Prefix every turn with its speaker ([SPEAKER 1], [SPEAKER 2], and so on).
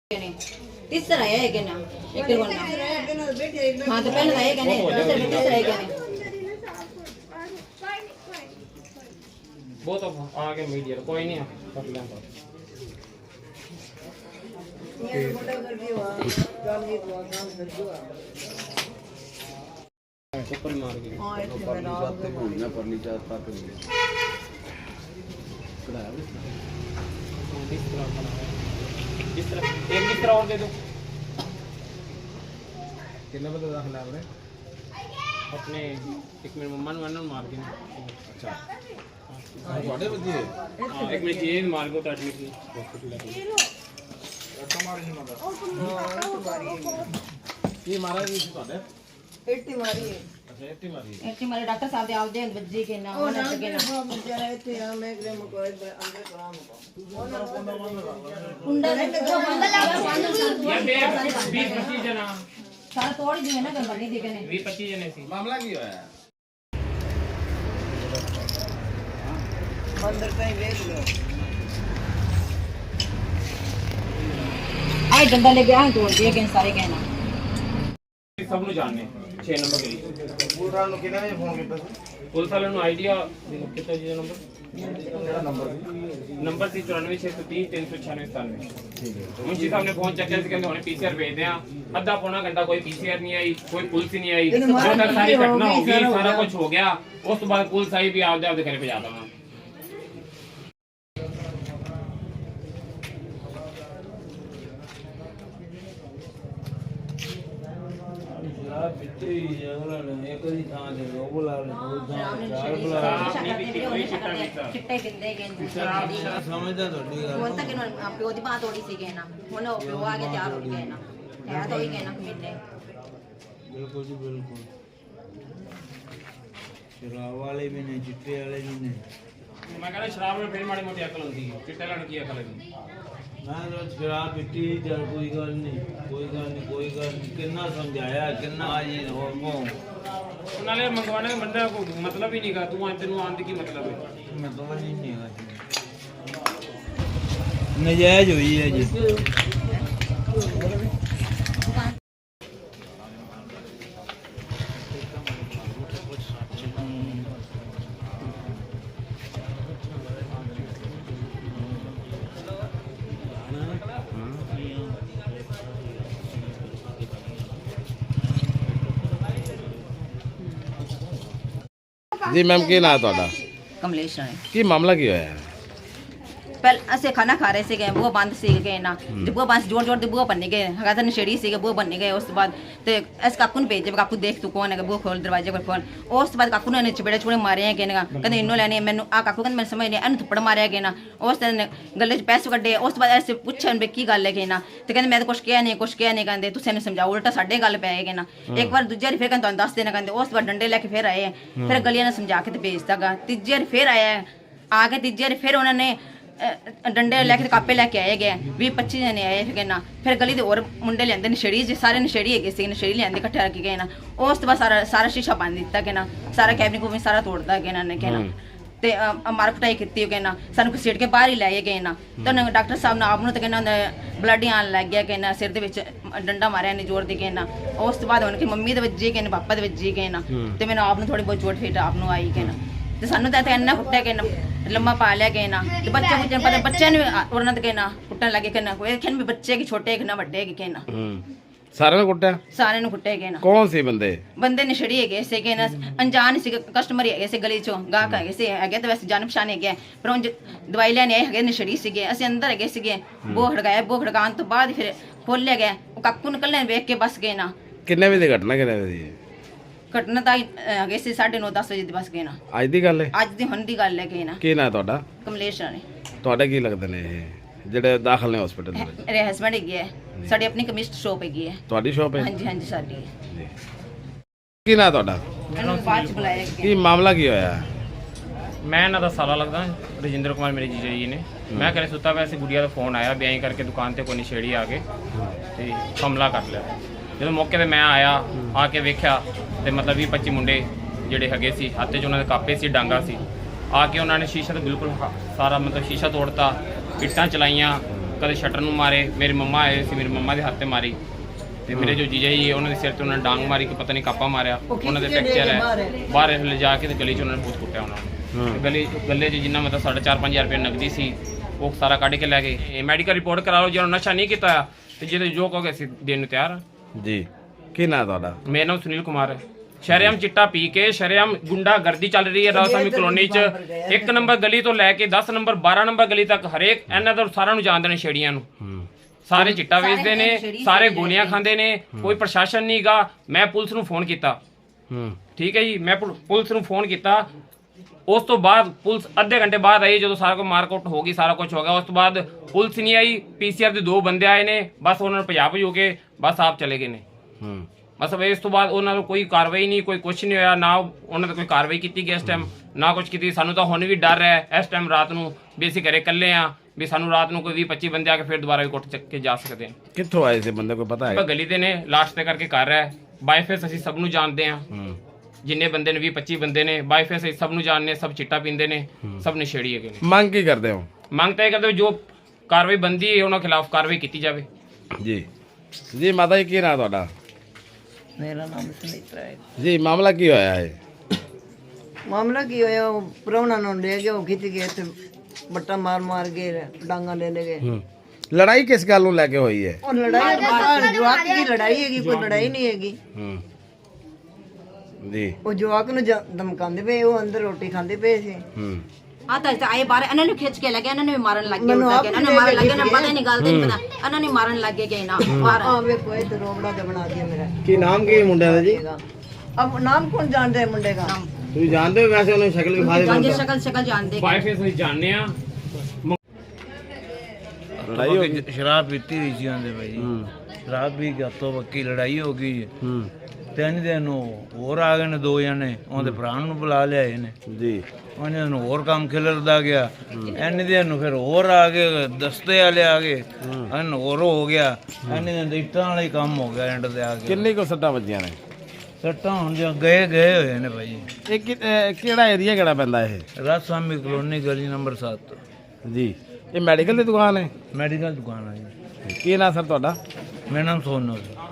[SPEAKER 1] तीसरा है क्या ना एक करवाना हाँ तो पहले है क्या नहीं तीसरा है क्या नहीं
[SPEAKER 2] वो तो आगे मीडिया कोई नहीं कर लेंगे ऊपर मार के
[SPEAKER 3] परली चार तक
[SPEAKER 2] इस तरह एक किस तरह और दे दो
[SPEAKER 3] कितने बजे दाखिला आपने
[SPEAKER 2] अपने एक मिनट मम्मा ने मार के
[SPEAKER 3] अच्छा ਤੁਹਾਡੇ ਬੱਚੇ
[SPEAKER 2] हां एक मिनट ये मार को काट ली हॉस्पिटल लेके
[SPEAKER 3] ਮਾਰ ਨਹੀਂ ਮਾਰਦਾ ਇਹ ਮਾਰਾ ਜੀ ਤੁਹਾਡੇ
[SPEAKER 4] 80 ਮਾਰੀ ਹੈ
[SPEAKER 3] ਅੱਛਾ 80 ਮਾਰੀ
[SPEAKER 1] ऐसे हमारे डॉक्टर साहब दे आवदे बज्जी के ना
[SPEAKER 4] ਉਹ ਨਾ ਕੇ ਨਾ ਵਿਚਾਰਾ ਇੱਥੇ ਆ ਮੈਂ ਗਰੇ ਮਕੋਏ ਅੰਦਰ ਕਰਾਮ
[SPEAKER 1] कुंडा जो बंदा
[SPEAKER 2] ये 20-25 जना
[SPEAKER 1] सारा तोड़ दिए ना गंबर नहीं दिखे ने
[SPEAKER 2] 20-25 जने सी
[SPEAKER 3] ਮਾਮਲਾ ਕੀ ਹੋਇਆ
[SPEAKER 4] ਅੰਦਰ ਤਾਈ ਵੇਖ ਲਓ
[SPEAKER 1] आए डंडा लेके आए तोड़ दिए के सारे कहना
[SPEAKER 2] सब नु जानने 6 नंबर गली
[SPEAKER 3] ਪੂਰਾ ਨੂੰ ਕਿੰਨੇ ਵਜੇ ਫੋਨ ਕੀਤਾ ਸੀ
[SPEAKER 2] पुलिस वाले नु आईडिया कितना जी नंबर
[SPEAKER 3] ਕਿਹੜਾ ਨੰਬਰ ਸੀ
[SPEAKER 2] नंबर सी 9463039697
[SPEAKER 3] ਠੀਕ ਹੈ
[SPEAKER 2] मुंशी साहब ने फोन चेक करके कहते हुणे पीसीआर भेज दें आधा पौना घंटा कोई पीसीआर नहीं आई कोई पुलिस ही नहीं आई जो तक सारी घटना हो गई सारा कुछ हो गया उस तो बाद पुलिस आई भी आपदे आपदे घर पे जाता मैं
[SPEAKER 1] चिट्टे बिंदे के
[SPEAKER 4] ਸਮਝਦਾ ਤੁਹਾਡੀ ਗੱਲ
[SPEAKER 1] ਹੁਣ ਤੱਕ ਇਹਨਾਂ ਪਿਓ ਦੀ ਬਾਤ ਹੋੜੀ ਸੀ ਕਹਿਣਾ ਹੁਣ ਉਹ ਪਿਓ ਆ ਕੇ ਤਿਆਰ ਹੋ ਗਿਆ ਨਾ ਹੈ ਤਾਂ ਹੀ ਕਹਿਣਾ ਮਿਲਨੇ
[SPEAKER 5] बिल्कुल जी बिल्कुल शराब वाले भी नहीं चिट्टे वाले भी नहीं
[SPEAKER 2] मैं कहना शराब में फिर माड़ी मोटी अकल होती है चिट्टे लड़की की अकल है
[SPEAKER 5] मैं तो शराब पीती चल कोई गल नहीं कितना समझाया कितना जी हो
[SPEAKER 2] नाले मंगवाने का बंदा को मतलब ही नहीं का तू तेन आने की मतलब है
[SPEAKER 5] मैं तो नहीं है नजायज हुई है जी
[SPEAKER 3] ਜੀ ਮੈਮ ਕੀ ਨਾਂ ਤੁਹਾਡਾ
[SPEAKER 1] कमलेश राय
[SPEAKER 3] ਕੀ ਮਾਮਲਾ ਕੀ ਹੋਇਆ
[SPEAKER 1] पहले ऐसे खाना खा रहे थे बुआ बंद सी गए ना जब बुआ बंद जोर जोर बुआ बनने गए हगा नशेड़ी सी बुआ बनने गए उस बाद तो ऐसे काकू ने भेजे काकू देख तू कौन है बुआ खोल दरवाजे पर खोल उस बाद काकू ने चपेड़े चुपड़े मारे हैं कहते इन्हों लैने मैंने आ काकू कहते मैं समझ नहीं इन थप्पड़ मारे गए ना उस दिन गले च पैसे कड्डे उस बाद ऐसे पूछा भी की गल है कि ना तो कहते मैं तो कुछ किया नहीं कहते तुम समझाओ उल्टा साढ़े गल पै गए ना एक बार दूजे फिर कहते तुम दस देना कहते उस बाद डंडे लैके फिर आए फिर गलियां ने समझा के भेजता गा तीजे फिर आया आके तीजे फिर उन्होंने डंडे लैके कापे लैके आए गए 20-25 जने आए फिर ना फिर गली दे और मुंडे लियांदे नशेड़ी सारे नशेड़ी है नशेड़ी लियांदे इकट्ठे रख गए ना उस तो बाद सारा शीशा बंद दिता कि ना सारा कैबिन को भी सारा तोड़ता गया ना कहना ते मार कुटाई की कहना सानू घसीट के बाहर ही लै गए ना तो डॉक्टर साहब ने आप तो कहना ब्लड आन लग गया कहना सिर दे विच डंडा मारिया ने जोर दे कहना उस तो बाद उन्हें मम्मी दे वज्जी कहना पापा दे वज्जी कहना ते मैंने आप थोड़ी बहुत चोट फिट आप आई कहना ਤੇ ਸਾਨੂੰ ਤਾਂ ਇੰਨਾ ਕੁੱਟਿਆ ਕਿ ਲੰਮਾ ਪਾ ਲਿਆ ਕਿ ਨਾ ਤੇ ਬੱਚੇ ਮੁੱਚੇ ਪਤਾ ਬੱਚਿਆਂ ਨੂੰ ਉਹਨਾਂ ਤੇ ਕਹਿਣਾ ਕੁੱਟਣ ਲੱਗੇ ਕਿ ਨਾ ਕੋਈ ਖੈਨ ਵੀ ਬੱਚੇ ਕਿ ਛੋਟੇ ਕਿ ਨਾ ਵੱਡੇ ਕਿ ਨਾ
[SPEAKER 3] ਸਾਰਿਆਂ ਨੂੰ ਕੁੱਟਿਆ
[SPEAKER 1] ਸਾਰਿਆਂ ਨੂੰ ਕੁੱਟਿਆ ਕਿ ਨਾ
[SPEAKER 3] ਕੌਣ ਸੀ ਬੰਦੇ
[SPEAKER 1] ਬੰਦੇ ਨਸ਼ੜੀ ਹੈਗੇ ਸੀ ਕਿ ਨਾ ਅਣਜਾਣ ਸੀ ਕਸਟਮਰ ਹੈਗੇ ਸੀ ਗਲੀ ਚੋਂ ਗਾਹਕ ਹੈਗੇ ਸੀ ਹੈਗੇ ਤਾਂ ਵੈਸੇ ਜਾਣ ਪਛਾਣ ਹੈਗੇ ਪਰ ਉਹ ਦਵਾਈ ਲੈਣ ਆਏ ਹੈਗੇ ਨਸ਼ੜੀ ਸੀਗੇ ਅਸੀਂ ਅੰਦਰ ਹੈਗੇ ਸੀਗੇ ਬੋਹ ਖੜਕਾਉਣ ਤੋਂ ਬਾਅਦ ਫਿਰ ਖੋਲਿਆ ਗਿਆ ਉਹ ਕਾਕੂ ਨਿਕਲਣੇ ਵੇਖ ਕੇ ਬਸ ਗਏ ਨਾ
[SPEAKER 3] ਕਿੰਨੇ ਵਜੇ ਦੀ ਘਟਨਾ ਕਿੰਨੇ ਵਜੇ ਦੀ
[SPEAKER 1] ਘਟਨਾ ਤਾਂ ਹੈਗੇ ਸੀ 9:30-10 ਵਜੇ ਦੀ ਬਸ ਗਏ ਨਾ
[SPEAKER 3] ਅੱਜ ਦੀ ਗੱਲ ਹੈ
[SPEAKER 1] ਅੱਜ ਦੀ ਹੁਣ ਦੀ ਗੱਲ ਹੈ ਕਿ ਨਾ
[SPEAKER 3] ਕੀ ਨਾਂ ਤੁਹਾਡਾ
[SPEAKER 1] ਕਮਲੇਸ਼ ਰਾਣੀ
[SPEAKER 3] ਤੁਹਾਡੇ ਕੀ ਲੱਗਦੇ ਨੇ ਇਹ ਜਿਹੜੇ ਦਾਖਲ ਨੇ ਹਸਪੀਟਲ ਦੇ ਵਿੱਚ
[SPEAKER 1] ਮੇਰੇ ਹਸਬੰਡ ਹੈਗੇ ਹੈ ਸਾਡੀ ਆਪਣੀ ਕਮਿਸਟ ਸ਼ੋਪ ਹੈਗੀ ਹੈ
[SPEAKER 3] ਤੁਹਾਡੀ ਸ਼ਾਪ ਹੈ
[SPEAKER 1] ਹਾਂਜੀ ਹਾਂਜੀ ਸਾਡੀ ਹੈ
[SPEAKER 3] ਕੀ ਨਾਂ ਤੁਹਾਡਾ
[SPEAKER 1] ਮੈਨੂੰ ਬਾਅਦ ਚ ਬੁਲਾਇਆ ਗਿਆ
[SPEAKER 3] ਕੀ ਮਾਮਲਾ ਕੀ ਹੋਇਆ
[SPEAKER 2] मैं ना तो साला लगता रजिंदर कुमार मेरे जीजा जी ने मैं घरे सुता वैसे गुड़िया का फोन आया ब्याई करके दुकान से कोई नशेड़ी आ गए तो हमला कर लिया जो मौके पर मैं आया आके वेख्या तो मतलब 20-25 मुंडे ਜਿਹੜੇ ਹੈਗੇ ਸੀ ਹੱਥ 'ਚ ਉਹਨਾਂ ਦੇ ਕਾਪੇ ਸੀ ਡਾਂਗਾ ਸੀ ਆ ਕੇ ਉਹਨਾਂ ਨੇ ਸ਼ੀਸ਼ਾ ਤਾਂ ਬਿਲਕੁਲ ਸਾਰਾ ਮਤਲਬ ਸ਼ੀਸ਼ਾ ਤੋੜਤਾ ਇੱਟਾਂ ਚਲਾਈਆਂ ਕਦੇ ਸ਼ਟਰ ਨੂੰ ਮਾਰੇ। ਮੇਰੀ ਮੰਮਾ ਆਏ ਸੀ, ਮੇਰੀ ਮੰਮਾ ਦੇ ਹੱਥ ਤੇ ਮਾਰੀ ਤੇ ਮੇਰੇ ਜੋ ਜੀਜਾ ਜੀ ਉਹਨਾਂ ਦੇ ਸਿਰ ਤੇ ਉਹਨਾਂ ਨੇ ਡਾਂਗ ਮਾਰੀ ਕਿ ਪਤਾ ਨਹੀਂ ਕਾਪਾ ਮਾਰਿਆ। ਉਹਨਾਂ ਦੇ ਫ੍ਰੈਕਚਰ ਹੈ, ਬਾਹਰ ਲਿਜਾ ਕੇ ਤੇ ਗਲੀ 'ਚ ਉਹਨਾਂ ਨੇ ਬਹੁਤ ਕੁੱਟਿਆ ਉਹਨਾਂ ਨੂੰ। ਤੇ ਗੱਲੇ 'ਚ ਜਿੰਨਾ ਮਤਲਬ 4.5 ਰੁਪਏ ਨਗਦੀ ਸੀ ਉਹ ਸਾਰਾ ਕੱਢ ਕੇ ਲੈ ਗਏ। ਮੈਡੀਕਲ ਰਿਪੋਰਟ ਕਰਾ ਲਓ, ਜੇ ਉਹਨਾਂ ਨਸ਼ਾ ਨਹੀਂ ਕੀਤਾ ਤੇ ਜਿਹਦੇ ਜੋ ਕਹੋਗੇ ਅਸੀਂ ਦੇਣ ਨੂੰ ਤਿਆਰ ਹਾਂ
[SPEAKER 3] ਜੀ। ਕੀ ਨਾਂ ਤੁਹਾਡਾ?
[SPEAKER 2] ਮੇਰਾ ਨਾਮ ਸੁਨੀਲ ਕੁਮਾਰ ਹੈ। ਸ਼ਰੇਆਮ ਚਿੱਟਾ ਪੀ ਕੇ ਸ਼ਰੇਆਮ ਗੁੰਡਾਗਰਦੀ ਚੱਲ ਰਹੀ ਹੈ ਰਾਜਸਾਮੀ ਕਲੋਨੀ 'ਚ। 1 ਨੰਬਰ ਗਲੀ ਤੋਂ ਲੈ ਕੇ 10 ਨੰਬਰ 12 ਨੰਬਰ ਗਲੀ ਤੱਕ ਹਰੇਕ ਇਹਨਾਂ ਦਾ ਸਾਰਿਆਂ ਨੂੰ ਜਾਣਦੇ ਨੇ ਛੇੜੀਆਂ ਨੂੰ। ਸਾਰੇ ਚਿੱਟਾ ਵੇਚਦੇ ਨੇ, ਸਾਰੇ ਗੋਲੀਆਂ ਖਾਂਦੇ ਨੇ, ਕੋਈ ਪ੍ਰਸ਼ਾਸਨ ਨਹੀਂਗਾ। ਮੈਂ ਪੁਲਿਸ ਨੂੰ ਫੋਨ ਕੀਤਾ, ਠੀਕ ਹੈ ਜੀ, ਮੈਂ ਪੁਲਿਸ ਨੂੰ ਫੋਨ ਕੀਤਾ। ਉਸ ਤੋਂ ਬਾਅਦ ਪੁਲਿਸ ਅੱਧੇ ਘੰਟੇ ਬਾਅਦ ਆਈ, ਜਦੋਂ ਸਾਰਾ ਕੁਝ ਮਾਰਕੁੱਟ ਹੋ ਗਈ, ਸਾਰਾ ਕੁਝ ਹੋ ਗਿਆ। ਉਸ ਤੋਂ ਬਾਅਦ ਪੁਲਿਸ ਨਹੀਂ ਆਈ, ਪੀਸੀਆਰ ਦੇ 2 ਬੰਦੇ ਆਏ ਨੇ, ਬਸ ਉਹਨਾਂ ਨੂੰ ਭਜਾ ਭਜੂ ਕੇ ਬਸ ਆਪ ਚਲੇ ਗਏ ਨੇ। ਬਸ ਇਸ ਤੋਂ ਬਾਅਦ ਉਹਨਾਂ ਨੂੰ ਕੋਈ ਕਾਰਵਾਈ ਨਹੀਂ, ਕੋਈ ਕੁਝ ਨਹੀਂ ਹੋਇਆ, ਨਾ ਉਹਨਾਂ ਤੇ ਕੋਈ ਕਾਰਵਾਈ ਕੀਤੀ ਗਈ ਇਸ ਟਾਈਮ, ਨਾ ਕੁਝ ਕੀਤੀ। ਸਾਨੂੰ ਤਾਂ ਹੁਣ ਵੀ ਡਰ ਹੈ ਇਸ ਟਾਈਮ ਰਾਤ ਨੂੰ ਵੀ ਅਸੀਂ ਘਰੇ ਇਕੱਲੇ ਆ, ਵੀ ਸਾਨੂੰ ਰਾਤ ਨੂੰ ਕੋਈ 20-25 ਬੰਦੇ ਆ ਕੇ ਫਿਰ ਦੁਬਾਰਾ ਵੀ ਕੁੱਟ ਚੱਕ ਕੇ ਜਾ ਸਕਦੇ ਨੇ।
[SPEAKER 3] ਕਿੱਥੋਂ ਆਏ ਸੀ ਬੰਦੇ, ਕੋਈ ਪਤਾ ਹੈ?
[SPEAKER 2] ਗਲੀ ਦੇ ਨੇ, ਲਾਸਟ ਤੇ ਕਰਕੇ ਕਰ ਰਿਹਾ। ਬਾਈਫੇਸ ਅਸੀਂ ਸਭ ਨੂੰ ਜਾਣਦੇ ਆ, ਜਿੰਨੇ ਬੰਦੇ ਨੇ 20-25 ਬੰਦੇ ਨੇ ਬਾਈਫੇਸ ਅਸੀਂ ਸਭ ਨੂੰ ਜਾਣਦੇ, ਸਭ ਚਿੱਟਾ ਪੀਂਦੇ ਨੇ, ਸਭ ਨਸ਼ੇੜੀ ਹੈਗੇ ਨੇ।
[SPEAKER 3] ਮੰਗ ਕੀ ਕਰਦੇ ਹੋ?
[SPEAKER 2] ਮੰਗ ਤਾਂ ਇਹ ਕਰਦੇ ਜੋ ਕਾਰਵਾਈ ਬੰਦੀ ਹੈ ਉਹਨਾਂ ਖਿਲਾਫ ਕਾਰਵਾਈ ਕੀਤੀ ਜਾਵੇ।
[SPEAKER 3] ਜੀ ਜੀ। ਮਾਤਾ ਜੀ ਕੀ ਨਾਂ ਤੁਹਾਡਾ?
[SPEAKER 4] ਮੇਰਾ ਨਾਮ ਸੁਨੀਤਾ ਹੈ।
[SPEAKER 3] ਜੀ ਮਾਮਲਾ ਕੀ ਹੋਇਆ ਹੈ?
[SPEAKER 4] ਮਾਮਲਾ ਕੀ ਹੋਇਆ, ਉਹ ਪ੍ਰਾਹੁਣਾ ਨੂੰ ਲੈ ਗਏ, ਉਹ ਖਿੱਚ ਗਏ ਤੇ ਬੱਟਾ ਮਾਰ ਕੇ ਡਾਂਗਾ ਲੈ ਗਏ।
[SPEAKER 3] ਲੜਾਈ ਕਿਸ ਗੱਲ ਨੂੰ ਲੈ ਕੇ ਹੋਈ ਹੈ?
[SPEAKER 4] ਉਹ ਲੜਾਈ ਬਾਹਰ ਜਵਾਕ ਦੀ ਲੜਾਈ ਹੈਗੀ, ਕੋਈ ਲੜਾਈ ਨਹੀਂ ਹੈਗੀ।
[SPEAKER 3] ਜੀ।
[SPEAKER 4] ਉਹ ਜਵਾਕ ਨੂੰ ਧਮਕਾਉਂਦੇ ਪਏ, ਉਹ ਅੰਦਰ ਰੋਟੀ ਖਾਂਦੇ ਪਏ ਸੀ।
[SPEAKER 1] ਆ ਤਾਂ ਆਏ ਬਾਹਰ ਇਹਨਾਂ ਨੂੰ ਖਿੱਚ ਕੇ ਲੱਗੇ, ਇਹਨਾਂ ਨੇ ਵੀ ਮਾਰਨ ਲੱਗ ਗਏ। ਇਹਨਾਂ ਨੇ ਮਾਰਨ ਲੱਗੇ, ਨਾ ਪਤਾ ਨਹੀਂ ਗੱਲ ਤੇ ਨਹੀਂ ਪਤਾ, ਇਹਨਾਂ ਨੇ ਮਾਰਨ ਲੱਗ ਗਏ ਨਾ ਬਾਹਰ।
[SPEAKER 4] ਆ ਵੇਖੋ ਇਹ ਤੇ ਰੋਬੜਾ ਜਿਹਾ ਬਣਾ ਦਿਆ ਮੇਰਾ।
[SPEAKER 3] ਕੀ ਨਾਮ ਕੀ ਮੁੰਡਿਆਂ ਦਾ ਜੀ?
[SPEAKER 4] अब नाम कौन जानते हैं मुंडे का?
[SPEAKER 3] ਤੁਸੀਂ ਜਾਣਦੇ ਹੋ ਵੈਸੇ ਉਹਨੇ ਸ਼ਕਲ ਵਿਖਾ
[SPEAKER 1] ਜਾਂਦੇ ਸ਼ਕਲ ਜਾਣਦੇ
[SPEAKER 2] ਬਾਈਫੇਸ ਅਸੀਂ ਜਾਣਦੇ ਆ।
[SPEAKER 3] ਲੜਾਈ ਹੋ ਗਈ?
[SPEAKER 5] ਸ਼ਰਾਬ ਪੀਤੀ ਹੋਈ ਸੀ ਉਹਦੇ ਭਾਈ, ਸ਼ਰਾਬ ਪੀ ਕੇ ਹੱਥੋਂ ਬੱਕੀ ਲੜਾਈ ਹੋ ਗਈ। 3 ਦਿਨ ਨੂੰ ਹੋਰ ਆ ਗਏ ਨੇ 2 ਜਣੇ, ਉਹਦੇ ਭਰਾ ਨੂੰ ਬੁਲਾ ਲਿਆਏ ਨੇ
[SPEAKER 3] ਜੀ।
[SPEAKER 5] ਉਹਨਾਂ ਨੂੰ ਹੋਰ ਕੰਮ ਖਿਲਰਦਾ ਗਿਆ। ਇੰਨੇ ਦਿਨ ਨੂੰ ਫਿਰ ਹੋਰ ਆ ਗਏ, ਦਸਤੇ ਵਾਲੇ ਆ ਗਏ, ਹਨ ਹੋਰ ਹੋ ਗਿਆ। ਇੰਨੇ ਦਿਨ ਇੱਟਾਂ ਵਾਲਾ ਹੀ ਕੰਮ ਹੋ ਗਿਆ ਐਂਡ ਤੇ ਆ ਕੇ।
[SPEAKER 3] ਕਿੰਨੀ ਕੋ ਸੱਟਾਂ ਵੱਜੀਆਂ ਨੇ?
[SPEAKER 5] ਸੱਟਾਂ ਹੁਣ ਜੋ ਗਏ ਹੋਏ ਨੇ ਭਾਈ।
[SPEAKER 3] ਇਹ ਕਿਹੜਾ ਏਰੀਆ ਕਿਹੜਾ ਪੈਂਦਾ ਇਹ?
[SPEAKER 5] ਰਾਜਸਾਮੀ ਕਲੋਨੀ ਗਲੀ ਨੰਬਰ 7
[SPEAKER 3] ਜੀ। ਇਹ ਮੈਡੀਕਲ ਦੀ ਦੁਕਾਨ ਹੈ?
[SPEAKER 5] ਮੈਡੀਕਲ ਦੁਕਾਨ ਹੈ ਜੀ।
[SPEAKER 3] ਕੀ ਨਾਂ ਸਰ ਤੁਹਾਡਾ?
[SPEAKER 5] ਮੇਰਾ ਨਾਮ ਸੋਨੂ ਜੀ।